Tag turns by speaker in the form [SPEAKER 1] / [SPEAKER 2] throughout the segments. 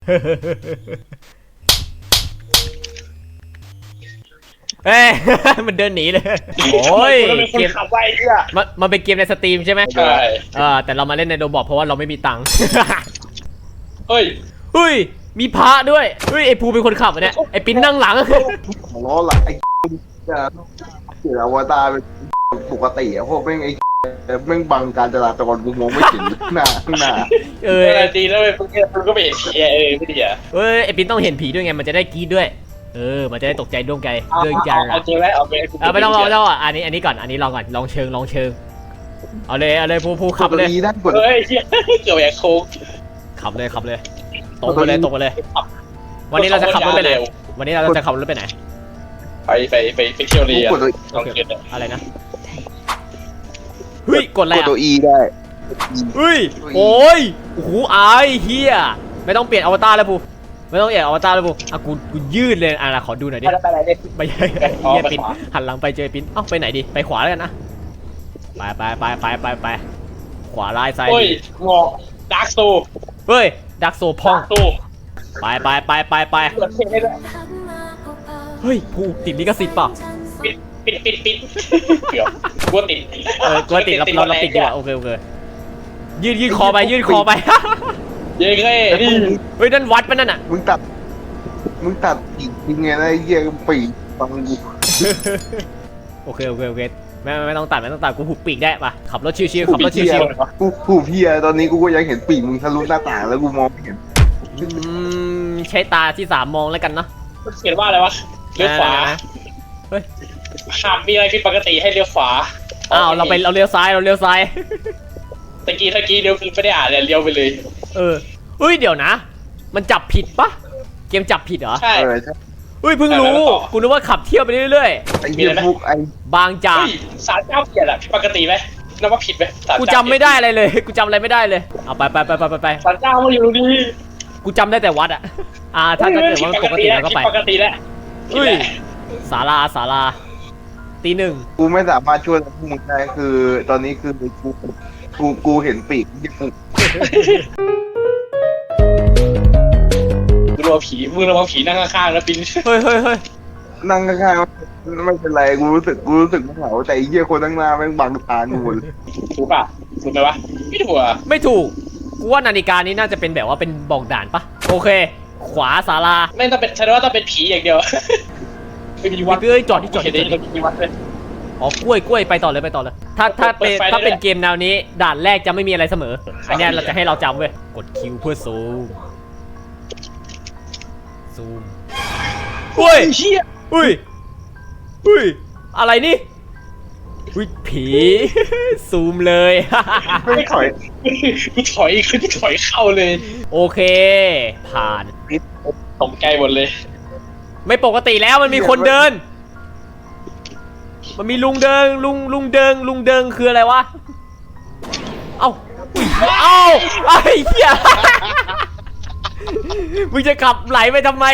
[SPEAKER 1] เอ้ย มันเดินหนีเลยโอ้ยเกม
[SPEAKER 2] ขับไว้เนี่ย
[SPEAKER 1] มันเป็นเกมในสตรีมใช่ไหม
[SPEAKER 2] ใช่
[SPEAKER 1] แต่เรามาเล่นในโรบอทเพราะว่าเราไม่มีตังค์
[SPEAKER 2] เฮ้ย
[SPEAKER 1] เฮ้ยมีพระด้วยเฮ้ยไอภูเป็นคนขับเนี่ยไอปิ้นนั่งหลัง
[SPEAKER 3] ของล้อหลังไอ้จะเกี่ยวอวตารเป็นปกติอะพวกแม่งไอ้แม่งบังการจราจรกูมองไม่เห็นหน้าข้างหน้า
[SPEAKER 1] เอ
[SPEAKER 2] เอ
[SPEAKER 1] อ
[SPEAKER 2] อดีแล้วเว้ยพวกนี้มันก็ไม่เห็นเชียร์ไม่ดีอ่ะ
[SPEAKER 1] เฮ้ยไอปิ้นต้องเห็นผีด้วยไงมันจะได้กรี๊ดด้วยมันจะได้ตกใจดวงใจเรื่องจัง
[SPEAKER 2] เอาจริงแล้วเอาไป
[SPEAKER 1] ไม่ต้องอ่ะอันนี้ก่อนอันนี้ลองก่อนลองเชิงเอาเลยภูขับเลย
[SPEAKER 3] กดได้กด
[SPEAKER 2] เฮ้ยเชี่ยเกี่ยวกับโค้ง
[SPEAKER 1] ขับเลยตรงไปเลยวันนี้เราจะขับรถไปไหนวันนี้เราจะขับรถไปไหน
[SPEAKER 2] ไปเที่ยวเรียน
[SPEAKER 3] กดตัว
[SPEAKER 2] ลองเกิน
[SPEAKER 1] อะไรนะเฮ้ยกดอะไร
[SPEAKER 3] กด
[SPEAKER 1] อ่ะ
[SPEAKER 3] ตัว E ได้
[SPEAKER 1] เฮ้ยโอ้ยโอ้โหอายเฮียไม่ต้องเปลี่ยนอวตารแล้วภูไม่ต้องเปลี่ยนอวตารแล้วภูกูยืดเลยขอดูหน่อยดิ
[SPEAKER 2] ไปไหนเนี่ย
[SPEAKER 1] ไปเฮียปิ้นหันหลังไปเจอปิ้นไปไหนดีไปขวาแล้วกันนะไปขวาลายซ้าย
[SPEAKER 2] เฮ้ยงอกดาร์กโซ
[SPEAKER 1] เฮ้ยดักโซพอง
[SPEAKER 2] ตู้
[SPEAKER 1] ไป
[SPEAKER 2] เปิดเพลงได้ด้วย
[SPEAKER 1] เฮ้ยภูติดลิขสิทธิ์เปล่า
[SPEAKER 2] ปิดเกือบกลัวติด
[SPEAKER 1] กลัวติดเราปิดดีกว่าโอเคยืดคอไป
[SPEAKER 2] เย้เฮ้ยนี่
[SPEAKER 1] เฮ้ยนั่นวัดปะนั่นอ่ะ
[SPEAKER 3] มึงตัดอีกยังไงนะไอ้เหี้ยปีกฟังกู
[SPEAKER 1] โอเคไม่ต้องตัดกูหุบปีกได้ปะขับรถชิวๆขับรถชิว
[SPEAKER 3] กูเพียตอนนี้กูก็ยังเห็นปีกมึงทะลุหน้าต่างแล้วกูมองไม่เห็น
[SPEAKER 1] ๆใช้ตาที่3มองแล้วกันเนาะ
[SPEAKER 2] มันเขียนว่าอะไรวะเลี้ยวขวา
[SPEAKER 1] เฮ้ย
[SPEAKER 2] หากมีอะไรผิดปกติให้เลี้ยวขวา
[SPEAKER 1] อ้าวเราเลี้ยวซ้าย
[SPEAKER 2] ตะกี้เลี้ยวไม่ได้อ่านเลยเลี้ยวไปเลย
[SPEAKER 1] เฮ้ยเดี๋ยวนะ มันจับผิดปะเกมจับผิดเหรอ
[SPEAKER 2] ใช่
[SPEAKER 3] ใช่
[SPEAKER 1] เฮ้ยเพิ่งรู้กูนึกว่าขับเที่ยวไปเรื่อย
[SPEAKER 3] ไอ้เหี้ยพวกไอ้
[SPEAKER 1] ๆบางจาก
[SPEAKER 2] เฮ้ยศาลเจ้าเปลี่ยนอะผิดปกติไหมนับว่าผิดไหมศาล
[SPEAKER 1] กู
[SPEAKER 2] เจ้า
[SPEAKER 1] จำไม่ได้อะไรเลยกูจำอะไรไม่ได้เลยเอาไป
[SPEAKER 2] ศาลเจ้ามาอยู่นี่
[SPEAKER 1] กูจำได้แต่วัดอะถ้าเกิดว่ามันปกติเราก็ไป
[SPEAKER 2] ผิดปกติแล้ว
[SPEAKER 1] เฮ้ยศาลาตีหนึ่ง
[SPEAKER 3] กูไม่สามารถช่วยพวกมึงได้คือ ตอนนี้คือกูเห็นปีกที่กู
[SPEAKER 2] มึงระวังผีนั่งข้างๆนะปิน
[SPEAKER 1] เฮ้ย
[SPEAKER 3] นั่งข้างๆไม่เป็นไรกูรู้สึกไม่เหงาแต่ไอ้เหี้ยคนข้างหน้าแม่งบังตากูหมดเลย
[SPEAKER 2] ถูกป่ะถูกไหมวะไม่ถูกอ่ะ
[SPEAKER 1] ไม่ถูกกูว่านาฬิกานี้น่าจะเป็นแบบว่าเป็นบอกด่านปะโอเค ขวาศาลา
[SPEAKER 2] ไม่ต้องเป็นฉันว่าต้องเป็นผีอย่างเดียวไม่มีวัด
[SPEAKER 1] เอ้ยจอดที่
[SPEAKER 2] เห็นได้มีวัดเลย
[SPEAKER 1] อ๋อกล้วยไปต่อเลยถ้าเป็นเกมแนวนี้ด่านแรกจะไม่มีอะไรเสมออันเนี้ยเราจะให้เราจำเว้ยกดคิวเพื่อซูมเฮ้ย
[SPEAKER 2] เชี่ย
[SPEAKER 1] อุ้ยอะไรนี่อุ้ยผี ซูมเลย
[SPEAKER 3] ไม่ถอย
[SPEAKER 2] กูถอยเข้าเลย
[SPEAKER 1] โอเค ผ่าน
[SPEAKER 2] ตกใจหมดเลย
[SPEAKER 1] ไม่ปกติแล้วมันมีคนเดิน มันมีลุงเดิงคืออะไรวะ เอ้าอุ๊ยเอ้าไอ้เหี้ย มึงจะขับไหลไปทำไม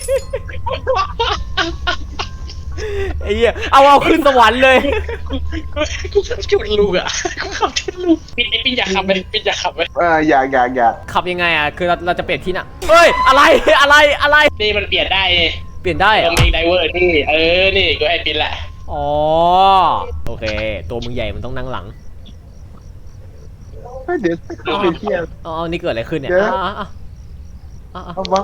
[SPEAKER 1] ไอ้เหี้ยเอาขึ้นสวรรค์เลย
[SPEAKER 2] กูขับชนลูกอ่ะกูขับชนลูกปิดไอ้ปินอยากขับไหมปินอยากขับไหม
[SPEAKER 3] อยาก
[SPEAKER 1] ขับยังไงอ่ะ คือเราจะเปลี่ยนที่น่ะเฮ้ย อะไร
[SPEAKER 2] นี่มันเปลี่ยนได้
[SPEAKER 1] เปลี่ยนได้เหร
[SPEAKER 2] ตร
[SPEAKER 1] อง
[SPEAKER 2] นี้ไดเวอร์นี่นี่กูให้ปินแหละ
[SPEAKER 1] อ๋อ โอเค ตัวมึงใหญ่มันต้องนั่งหลัง
[SPEAKER 3] เดี๋ยวไปเที่ยว
[SPEAKER 1] อ๋อ นี่เกิดอะไรขึ้นเนี่ย
[SPEAKER 3] เอาวะ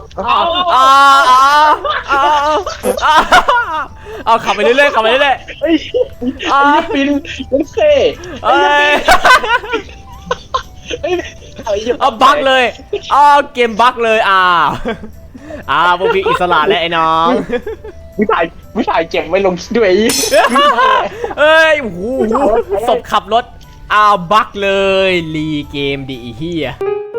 [SPEAKER 1] เอาขับไปเรื่อย
[SPEAKER 2] เฮ้ยปินมันเซ่
[SPEAKER 1] เอ้ย เอาบั๊กเลยเกมบั๊กเลยพวกพี่อิสระและไอ้น้อง
[SPEAKER 2] วิถ่ายเก็บไว้ลงด้วย
[SPEAKER 1] เอ้ยโอ้โหศพขับรถบั๊กเลยรีเกมดีเฮีย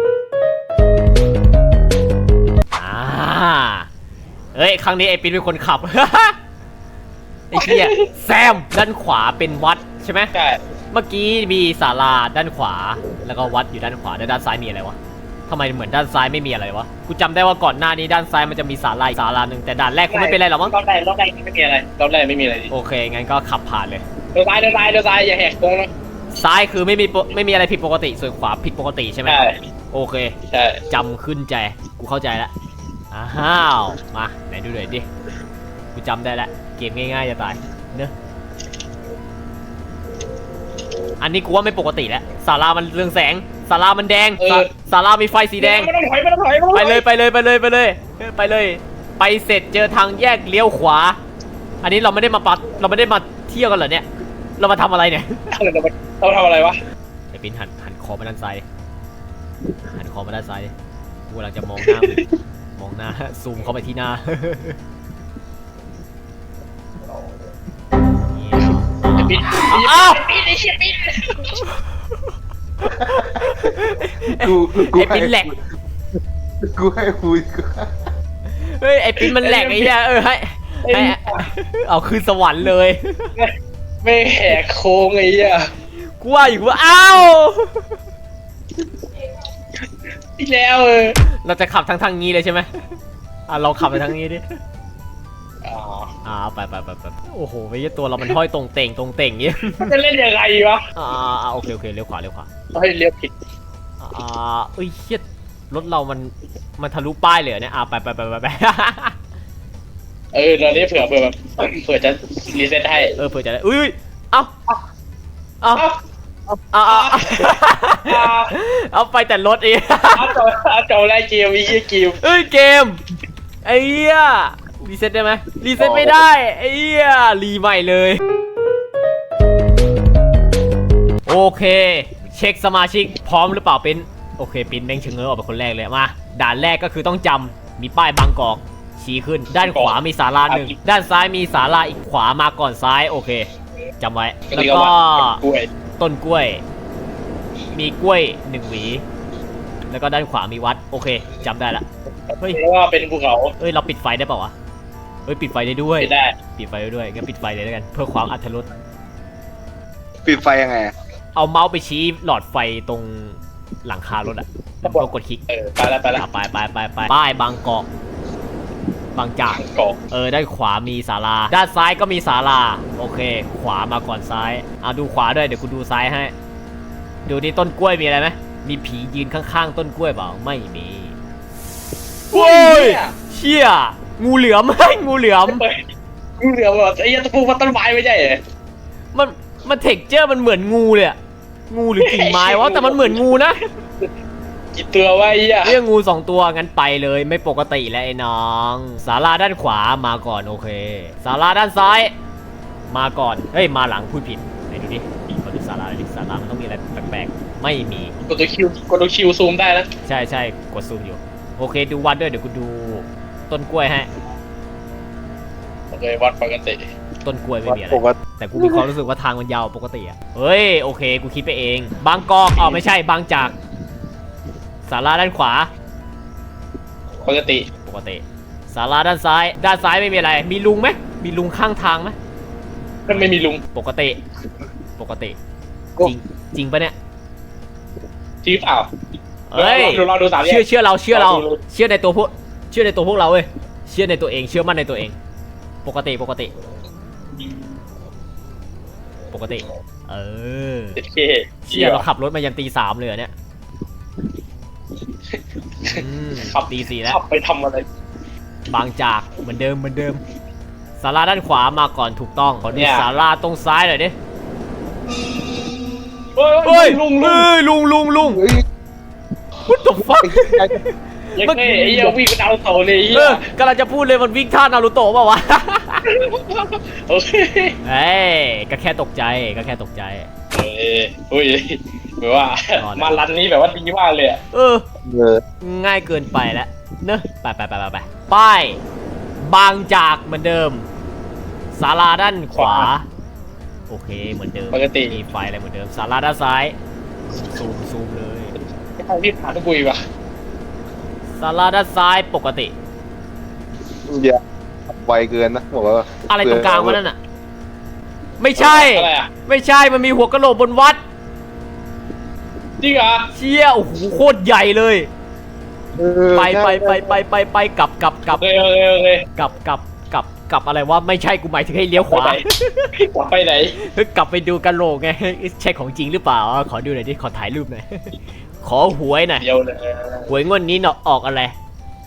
[SPEAKER 1] เฮ้ยครั้งนี้ไอ้ปิ๊นเป็นคนขับ ไอ้เหี้ยแซมด้านขวาเป็นวัดใช่ไหม
[SPEAKER 2] ใช่
[SPEAKER 1] เมื่อกี้มีศาลาด้านขวาแล้วก็วัดอยู่ด้านขวาด้านซ้ายมีอะไรวะทำไมเหมือนด้านซ้ายไม่มีอะไรวะกูจำได้ว่าก่อนหน้านี้ด้านซ้ายมันจะมีศาลาหนึ่งแต่ด่านแรกคงไม่เป็นไรหรอกมั้ง
[SPEAKER 2] รอบแรกไม่มีอะไรรอบแรกไม่มีอะไรดิ
[SPEAKER 1] โอเคงั้นก็ขับผ่านเลย
[SPEAKER 2] เดินซ้ายอย่าแหกโค้งนะ
[SPEAKER 1] ซ้ายคือไม่มีอะไรผิดปกติส่วนขวาผิดปกติใช่ไหม
[SPEAKER 2] ใช่
[SPEAKER 1] โอเค
[SPEAKER 2] ใช่
[SPEAKER 1] จำขึ้นใจกูกูเข้าใจแล้วอ้าวมาไหนดูหน่อยดิกูจำได้แล้วเกมง่ายๆจะตายเนอะอันนี้กูว่าไม่ปกติแล้วศาลามันเรืองแสงศาลามันแดงศาลามีไฟสีแดง
[SPEAKER 2] ไม่ต้องถอยไม่ต้องถอย
[SPEAKER 1] ไปเลยไปเลยไปเลยไปเลยไปเลยไปเสร็จเจอทางแยกเลี้ยวขวา อันนี้เราไม่ได้มาปัดเราไม่ได้มาเที่ยวกันเหรอเนี่ยเรามาทำอะไรเนี่ย
[SPEAKER 2] เราทำอะไรวะ
[SPEAKER 1] ไอ้ปิ้นหันคอมาด้านซ้ายดิหันคอมาด้านซ้ายดิกูกำลังจะมองหน้ามึงมองหน้าซูมเข้าไปที่หน้า
[SPEAKER 2] ปิด
[SPEAKER 1] อ้าว
[SPEAKER 2] ปิดไอ้เชี่ยปิด
[SPEAKER 3] กู
[SPEAKER 1] ไอ้ปิ้นแหลก
[SPEAKER 3] กูให้คุย
[SPEAKER 1] เฮ้ยไอ้ปิ้นมันแหลกไอ้เหี้ยให้เอาคืนสวรรค์เลย
[SPEAKER 2] ไม่แหกโค้งไอ้เหี้ย
[SPEAKER 1] กูว่าอยู่ว่าอ้าว
[SPEAKER 2] ที่แล้ว
[SPEAKER 1] เราจะขับทางนี้เลยใช่ไหมเราขับไปทางนี้ดิ ไปโอ้โหไอ้ตัวเรามันห้อยตรงเต่งเงี้ย
[SPEAKER 2] จะเล่นยังไงวะ
[SPEAKER 1] โอเคเลี้ยวขวา
[SPEAKER 2] เฮ้ยเลี้ยวผิด
[SPEAKER 1] เอ้ยเฮียรถเรามันทะลุป้ายเลยเนี่ยไป
[SPEAKER 2] ตอนนี้เผื่อแบบเผื่อจะรีเซ็ตให้
[SPEAKER 1] เผื่อจะได้อุ้ยเอาไปแต่รถเอง
[SPEAKER 2] จบได้เกมไอ้เหี้ยเกม
[SPEAKER 1] เกมไอ้เหี้ยรีเซ็ตได้ไหมรีเซ็ตไม่ได้ไอ้เหี้ยรีใหม่เลยโอเคเช็คสมาชิกพร้อมหรือเปล่าเป็นโอเคปินแม่งเชิงเงอออกเป็นคนแรกเลยมาด่านแรกก็คือต้องจำมีป้ายบางกอกชี้ขึ้นด้านขวามีศาลาหนึ่งด้านซ้ายมีศาลาอีกขวามาก่อนซ้ายโอเคจำไว้แล้วก็ต้นกล้วยมีกล้วย1หวีแล้วก็ด้านขวามีวัดโอเคจำได้ละ
[SPEAKER 2] เฮ้ยว่าเป็นภูเขา
[SPEAKER 1] เราปิดไฟได้เปล่าวะปิดไฟได้ด้วย
[SPEAKER 2] ได้
[SPEAKER 1] ปิดไฟได้ด้วยงั้นปิดไฟเลยแล้วกันเพื่อความอรรถรส
[SPEAKER 3] ปิดไฟยังไง
[SPEAKER 1] เอาเมาส์ไปชี้หลอดไฟตรงหลังคารถแล้วก็กดคลิก
[SPEAKER 2] ไปแล้ว
[SPEAKER 1] ไปป้ายบางกอกบางจากด้านขวามีศาลาด้านซ้ายก็มีศาลาโอเคขวามาก่อนซ้ายดูขวาด้วยเดี๋ยวกูดูซ้ายให้ดูนี่ต้นกล้วยมีอะไรไหมมีผียืนข้างๆต้นกล้วยเปล่าไม่มีโอ้ยเชี่ยงูเหลือมงูเหลือม
[SPEAKER 2] แบบไอ้ยันตะปูมันต้นไม้ไม่ใช่เหรอ
[SPEAKER 1] มันเท็กเจอร์มันเหมือนงูเลยงูหรือกิ่งไม้วะแต่มันเหมือนงูนะ
[SPEAKER 2] กี่ตัววะไอ้
[SPEAKER 1] เรื่องงู2ตัวงั้นไปเลยไม่ปกติแล้วไอ้น้องศาลาด้านขวามาก่อนโอเคศาลาด้านซ้ายมาก่อนเฮ้ยมาหลังพูดผิดไหนดูดิมาดูศาลามันต้องมีอะไรแปลกๆไม่มี
[SPEAKER 2] กดตัวคิวซูมได้นะ
[SPEAKER 1] ใช่กดซูมอยู่โอเคดูวัดด้วยเดี๋ยวกูดูต้นกล้วยให้
[SPEAKER 2] โอเควัดปกติ
[SPEAKER 1] ต้นกล้วยไม่มีอะไรแต่กูมีความรู้สึกว่าทางมันยาวปกติเฮ้ยโอเคกูคิดไปเองบางกอกไม่ใช่บางจากศาลาด้านขวา
[SPEAKER 2] ปกติ
[SPEAKER 1] ศาลาด้านซ้ายไม่มีอะไรมีลุงไหมมีลุงข้างทางไหม
[SPEAKER 2] มันไม่มีลุง
[SPEAKER 1] ปกติจริงปะเนี่ย
[SPEAKER 2] จริงเปล่า
[SPEAKER 1] เฮ้ย
[SPEAKER 2] เราดู
[SPEAKER 1] เชื่อเราเชื่อในตัวพวกเราเว้ยเชื่อในตัวเองเชื่อมั่นในตัวเองปกติเชื่อเราขับรถมายันตี 3เลยเนี่ย
[SPEAKER 2] ขับ
[SPEAKER 1] ตี 4แล้ว
[SPEAKER 2] ขับไปทำอะไร
[SPEAKER 1] บางจากเหมือนเดิมศาลาด้านขวามาก่อนถูกต้องขอดูศาลาตรงซ้ายหน่อยดิ
[SPEAKER 2] เฮ้ยลุง
[SPEAKER 1] What the fuck
[SPEAKER 2] ไอ้เหี้ยวิ่งเป็นนารูโตะเลย
[SPEAKER 1] กำลังจะพูดเลยมันวิ่งท่านารูโตะเปล่าวะ
[SPEAKER 2] โอเค
[SPEAKER 1] ก็แค่ตกใจ
[SPEAKER 2] อุ้ยแบบว่ามารันนี้แบบว่าดีมากเลย
[SPEAKER 1] ง่ายเกินไปแล้วเนอะไปป้ายบางจากเหมือนเดิมศาลาด้านขวาโอเคเหมือนเดิม
[SPEAKER 2] ปกติ
[SPEAKER 1] มีไฟอะไรเหมือนเดิมศาลาด้านซ้ายซูมเลย
[SPEAKER 2] ไม่ต้องรีบหาทุกคุยว่ะ
[SPEAKER 1] ศาลาด้านซ้ายปกติ
[SPEAKER 3] อย่าไวเกินนะบอกว่า
[SPEAKER 1] อะไรตรงกลางวะนั่นน่ะไม่ใช่มันมีหัวกะโหลกบนวัด
[SPEAKER 2] จริงเหรอ
[SPEAKER 1] เชี่ยโอ้โหโคตรใหญ่เลยไปกลับกลับอะไรวะไม่ใช่กูหมายถึงให้เลี้ยวขวาก
[SPEAKER 2] ลับไปไหน
[SPEAKER 1] กลับไปดูกะโหลกไงใช่ของจริงหรือเปล่าขอดูหน่อยดิขอถ่ายรูปหน่อยขอหวยหน่อยหวยงวดนี้เนาะออกอะไร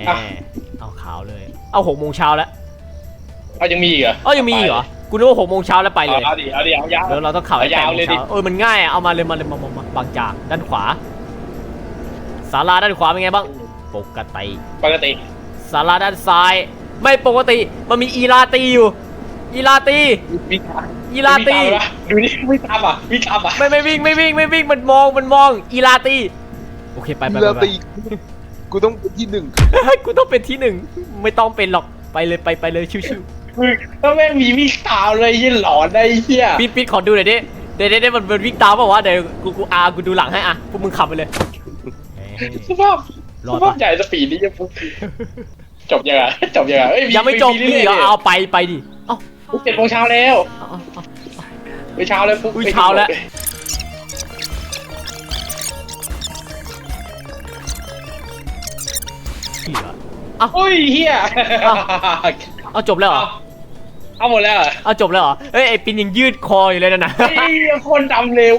[SPEAKER 1] เอาขาวเลย เอา6 โมงเช้าแล้ว
[SPEAKER 2] เอายังมีอีกเหรอ
[SPEAKER 1] เอ้ายังมีอีกเหรอ กูนึกว่า6 โมงเช้าแล้วไปเลย
[SPEAKER 2] เอาดิเอายาว
[SPEAKER 1] เดี๋ยวเราต้องขับให้
[SPEAKER 2] ยาว
[SPEAKER 1] 8 โม
[SPEAKER 2] เล
[SPEAKER 1] ง
[SPEAKER 2] ยดิ
[SPEAKER 1] เช้ามันง่ายอะเอามาเลยมาบางจากด้านขวาศาลาด้านขวาเป็นไงบ้างปกติ
[SPEAKER 2] ปกติ
[SPEAKER 1] ศาลาด้านซ้าย ไม่ปกติมันมีอีลาตีอยู่อีลาตี
[SPEAKER 2] วิ่ง
[SPEAKER 1] อีลาตี
[SPEAKER 2] ดูนี่ไม่ตามอ่ะวิ่งตามอ่ะ
[SPEAKER 1] ไม่วิ่งมันมองอีลาตีโอเคไป
[SPEAKER 3] เรือตีกูต้องเป็นที่หนึ่ง
[SPEAKER 1] กูต้องเป็นที่ 1ไม่ต้องเป็นหรอกไปเลยชิว
[SPEAKER 2] มึงถ้าแม่งมีวิ่งตามเลยยี่หลอนได้เหี้ย
[SPEAKER 1] ๆปิดขอดูหน่อยดิเดี๋ยวมันวิ่งตามเปล่าวะเดี๋ยวกูดูหลังให้อะพวกมึงขับไปเลย
[SPEAKER 2] สภาพใหญ่สปีดนี่ยังจบยังไงเอ้ย
[SPEAKER 1] ยังไม่จบนี่เหรอเอาไปดิเอ้า
[SPEAKER 2] 7 โมงเช้าแล้ว
[SPEAKER 1] เอา
[SPEAKER 2] ไปเช้าแล้วปุ๊บ
[SPEAKER 1] เช้าแล้วเหี้ย
[SPEAKER 2] อุ้ยเฮีย
[SPEAKER 1] เอาจบแล้วเหรอ
[SPEAKER 2] เอาหมดแล้ว
[SPEAKER 1] เอาจบแล้วเหรอเฮ้ยไอ้ปินยังยืดคออยู่เลยนะ
[SPEAKER 2] ไอ้คนดำเร็ว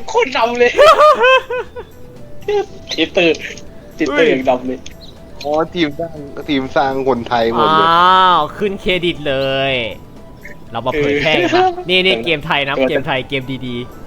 [SPEAKER 2] ติดตื่นอย่างดำเลย
[SPEAKER 3] อ๋อทีมสร้างคนไทยหมด
[SPEAKER 1] อ้
[SPEAKER 3] เลย
[SPEAKER 1] าวขึ้นเครดิตเลย เรามาเผยแพร่กันนะนี่เกมไทยนะเกมไทยเกมดีๆ